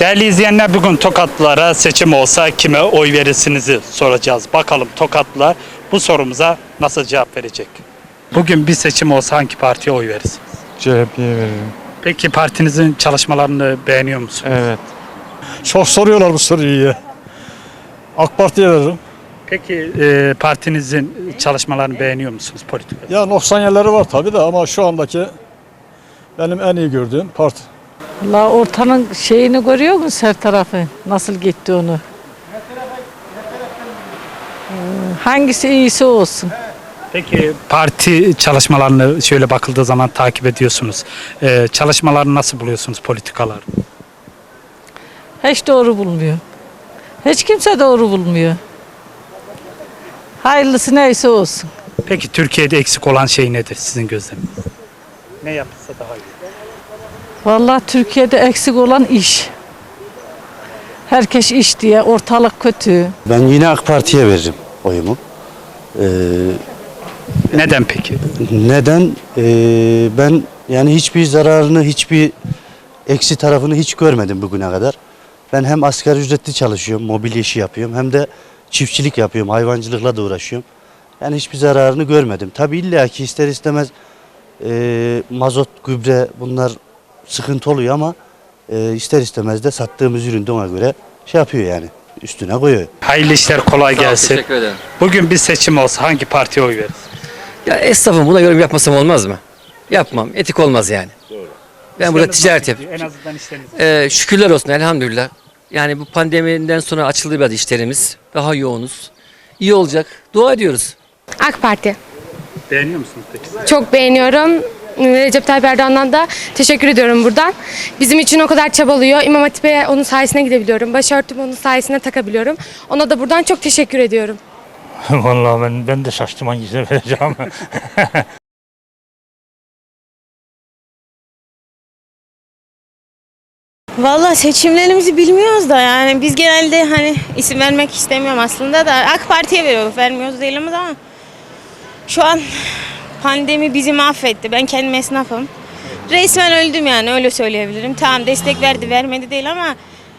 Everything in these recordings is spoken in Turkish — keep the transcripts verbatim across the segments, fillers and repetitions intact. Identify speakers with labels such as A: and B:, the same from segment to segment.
A: Değerli izleyenler, bugün Tokatlılara seçim olsa kime oy verirsinizi soracağız. Bakalım Tokatlılar bu sorumuza nasıl cevap verecek? Bugün bir seçim olsa hangi partiye oy verirsiniz?
B: C H P'ye veririm.
A: Peki partinizin çalışmalarını beğeniyor musunuz?
B: Evet.
C: Çok soruyorlar bu soruyu ya. AK Parti'ye veririm.
A: Peki e, partinizin çalışmalarını beğeniyor musunuz politika?
C: Ya noksan yerleri var tabii de ama şu andaki benim en iyi gördüğüm parti.
D: La ortanın şeyini görüyor musun her tarafı? Nasıl gitti onu? Ee, Hangisi iyisi olsun.
A: Peki parti çalışmalarını şöyle bakıldığı zaman takip ediyorsunuz. E, çalışmalarını nasıl buluyorsunuz, politikalar?
D: Hiç doğru bulmuyor. Hiç kimse doğru bulmuyor. Hayırlısı neyse olsun.
A: Peki Türkiye'de eksik olan şey nedir sizin gözleminiz? Ne yapılsa daha iyi?
D: Vallahi Türkiye'de eksik olan iş. Herkes iş diye, ortalık kötü.
E: Ben yine AK Parti'ye veririm oyumu. Ee,
A: Neden peki?
E: neden? Ee, ben yani hiçbir zararını, hiçbir eksi tarafını hiç görmedim bugüne kadar. Ben hem asgari ücretli çalışıyorum, mobilya işi yapıyorum, hem de çiftçilik yapıyorum, hayvancılıkla da uğraşıyorum. Yani hiçbir zararını görmedim. Tabii illa ki ister istemez e, mazot, gübre bunlar sıkıntı oluyor ama e, ister istemez de sattığımız üründe ona göre şey yapıyor yani. Üstüne koyuyor.
A: Hayırlı işler, kolay gelsin.
F: Teşekkür ederim.
A: Bugün bir seçim olsa hangi partiye oy veririz?
F: Ya esnafım, buna yorum yapmasam olmaz mı? Yapmam. Etik olmaz yani. Doğru. Ben burada ticaret yapıyorum.
A: En azından işleriniz.
F: Ee, şükürler olsun elhamdülillah. Yani bu pandemiden sonra açıldı biraz işlerimiz. Daha yoğunuz. İyi olacak. Dua ediyoruz.
G: AK Parti.
A: Beğeniyor musunuz peki?
G: Çok beğeniyorum. Recep Tayyip Erdoğan'dan da teşekkür ediyorum buradan. Bizim için o kadar çabalıyor. İmam Hatip'e onun sayesinde gidebiliyorum. Başörtümü onun sayesinde takabiliyorum. Ona da buradan çok teşekkür ediyorum.
B: Vallahi ben, ben de şaştım hangisine vereceğim.
H: Vallahi seçimlerimizi bilmiyoruz da yani biz genelde hani isim vermek istemiyorum aslında da AK Parti'ye veriyoruz, vermiyoruz değiliz ama şu an pandemi bizi mahvetti. Ben kendim esnafım. Resmen öldüm yani, öyle söyleyebilirim. Tamam, destek verdi vermedi değil ama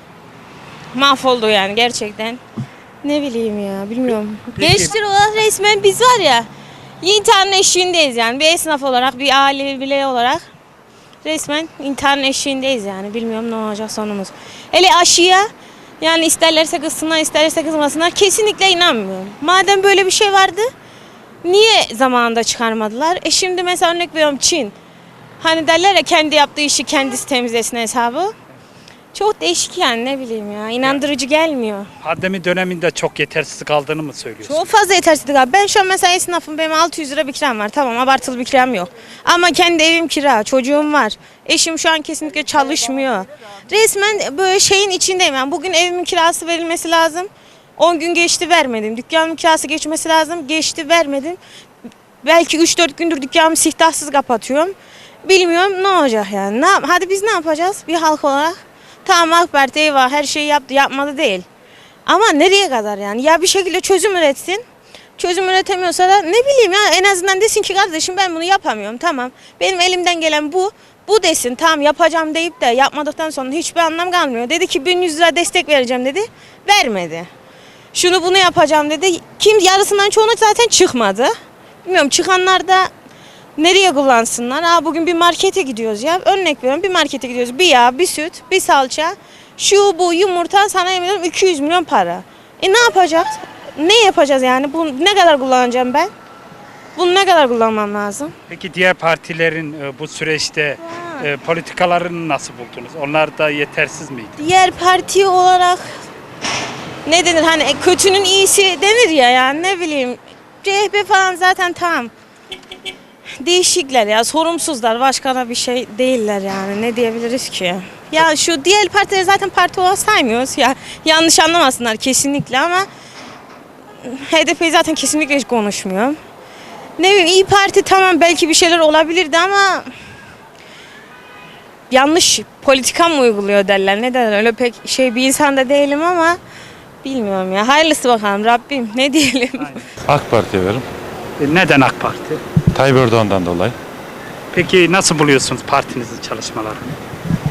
H: mahvoldu yani gerçekten. Ne bileyim ya, bilmiyorum. Gençler olarak resmen biz var ya intiharın eşiğindeyiz yani, bir esnaf olarak, bir aile birey olarak. Resmen intiharın eşiğindeyiz yani. Bilmiyorum ne olacak sonumuz. Hele aşıya yani isterlerse kızsınlar, isterlerse kızmasınlar. Kesinlikle inanmıyorum. Madem böyle bir şey vardı, niye zamanında çıkarmadılar? E şimdi mesela örnek veriyorum Çin. Hani derler ya, kendi yaptığı işi kendisi temizlesin hesabı. Çok değişik yani, ne bileyim ya. İnandırıcı gelmiyor.
A: Pandemi döneminde çok yetersiz kaldığını mı söylüyorsunuz?
H: Çok fazla yetersizlik abi. Ben şu an mesela esnafım, benim altı yüz lira bir kiram var. Tamam, abartılı bir kiram yok. Ama kendi evim kira, çocuğum var. Eşim şu an kesinlikle çalışmıyor. Resmen böyle şeyin içindeyim. Yani bugün evimin kirası verilmesi lazım. on gün geçti, vermedim. Dükkanımın kirası geçmesi lazım. Geçti, vermedim. Belki üç dört gündür dükkanımı siftahsız kapatıyorum. Bilmiyorum ne olacak yani. Ne yap- Hadi biz ne yapacağız bir halk olarak? Tamam, AK Parti eyvah her şeyi yaptı, yapmadı değil. Ama nereye kadar yani? Ya bir şekilde çözüm üretsin. Çözüm üretemiyorsa da ne bileyim ya, en azından desin ki kardeşim ben bunu yapamıyorum, tamam. Benim elimden gelen bu. Bu desin, tamam yapacağım deyip de yapmadıktan sonra hiçbir anlam kalmıyor. Dedi ki bin yüz lira destek vereceğim dedi. Vermedi. Şunu bunu yapacağım dedi. Kim yarısından çoğunu zaten çıkmadı. Bilmiyorum, çıkanlar da nereye kullansınlar? Aa, bugün bir markete gidiyoruz ya. Örnek veriyorum, bir markete gidiyoruz. Bir yağ, bir süt, bir salça, şu bu yumurta, sana yemin ediyorum iki yüz milyon para. E ne yapacağız? Ne yapacağız yani? Bunu ne kadar kullanacağım ben? Bunu ne kadar kullanmam lazım?
A: Peki diğer partilerin e, bu süreçte e, politikalarını nasıl buldunuz? Onlar da yetersiz miydi?
H: Diğer parti olarak ne denir, hani kötünün iyisi denir ya, yani ne bileyim. C H P falan zaten tamam. Değişikler ya, sorumsuzlar, başka da bir şey değiller yani, ne diyebiliriz ki? Ya şu diğer partileri zaten parti olarak saymıyoruz ya, yanlış anlamasınlar kesinlikle ama H D P'yi zaten kesinlikle hiç konuşmuyorum. Ne bileyim, İYİ Parti tamam, belki bir şeyler olabilirdi ama yanlış politika mı uyguluyor derler, ne derler, öyle pek şey bir insan da değilim ama bilmiyorum ya, hayırlısı bakalım Rabbim, ne diyelim.
B: AK Parti'ye veririm.
A: E, neden AK Parti?
B: Tayyip Erdoğan'dan dolayı.
A: Peki nasıl buluyorsunuz partinizin çalışmalarını?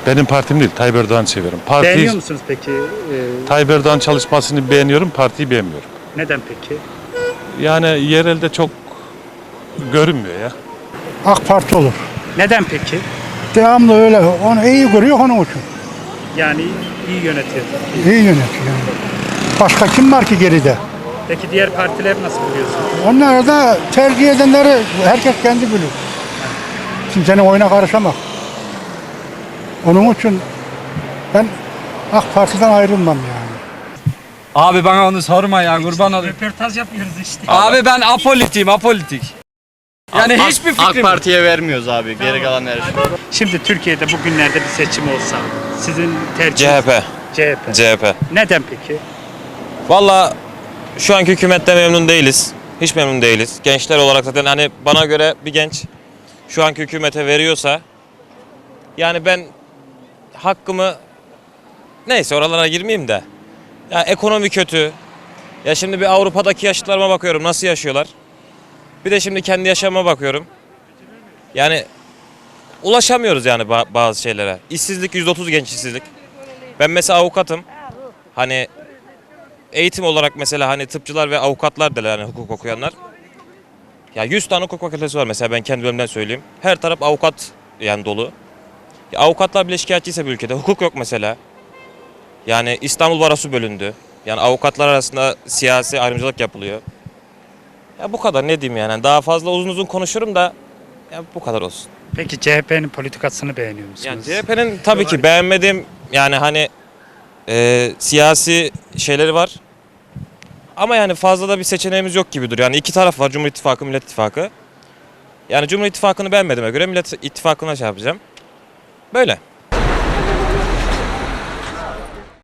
I: Benim partim değil, Tayyip Erdoğan'ı seviyorum. Parti,
A: Beğeniyor musunuz peki? Ee,
I: Tayyip Erdoğan çalışmasını beğeniyorum, partiyi beğenmiyorum.
A: neden peki?
I: Yani yerelde çok görünmüyor ya.
J: AK Parti olur.
A: Neden peki?
J: Devamlı öyle. Onu iyi görüyor onun için.
A: Yani iyi yönetiyor.
J: İyi yönetiyor yani. Başka kim var ki geride?
A: Peki diğer partiler nasıl buluyorsunuz?
J: Onları da tercih edenleri herkes kendi bilir. Kimsenin oyuna karışamaz. Onun için ben AK Parti'den ayrılmam yani.
K: Abi bana onu sorma ya kurban olayım.
A: Röportaj yapıyoruz işte.
K: Abi ben apolitiyim apolitik. Yani hiçbir fikrim
L: AK Parti'ye vermiyoruz abi. Geri kalan her şey.
A: Şimdi Türkiye'de bugünlerde bir seçim olsa sizin tercihiniz?
L: C H P.
A: C H P.
L: C H P.
A: Neden peki?
L: Valla şu anki hükümette memnun değiliz. Hiç memnun değiliz. Gençler olarak zaten hani bana göre bir genç şu anki hükümete veriyorsa yani ben hakkımı neyse oralara girmeyeyim de ya ekonomi kötü. Ya şimdi bir Avrupa'daki yaşlılarıma bakıyorum nasıl yaşıyorlar. Bir de şimdi kendi yaşamıma bakıyorum. Yani ulaşamıyoruz yani ba- bazı şeylere. İşsizlik yüzde otuz genç işsizlik. Ben mesela avukatım. Hani eğitim olarak mesela hani tıpçılar ve avukatlar derler hani hukuk okuyanlar. Ya yüz tane hukuk fakültesi var mesela ben kendi bölümden söyleyeyim. Her taraf avukat yani dolu. Ya avukatlar bile şikayetçiyse bir ülkede hukuk yok mesela. Yani İstanbul Barosu bölündü. Yani avukatlar arasında siyasi ayrımcılık yapılıyor. Ya bu kadar ne diyeyim yani daha fazla uzun uzun konuşurum da ya bu kadar olsun.
A: Peki C H P'nin politikasını beğeniyor musunuz?
L: Yani C H P'nin tabii ki beğenmediğim yani hani e, siyasi şeyleri var. Ama yani fazla da bir seçeneğimiz yok gibi duruyor. Yani iki taraf var Cumhur İttifakı, Millet İttifakı. Yani Cumhur İttifakı'nı beğenmediğime göre Millet İttifakı'na şey yapacağım. Böyle.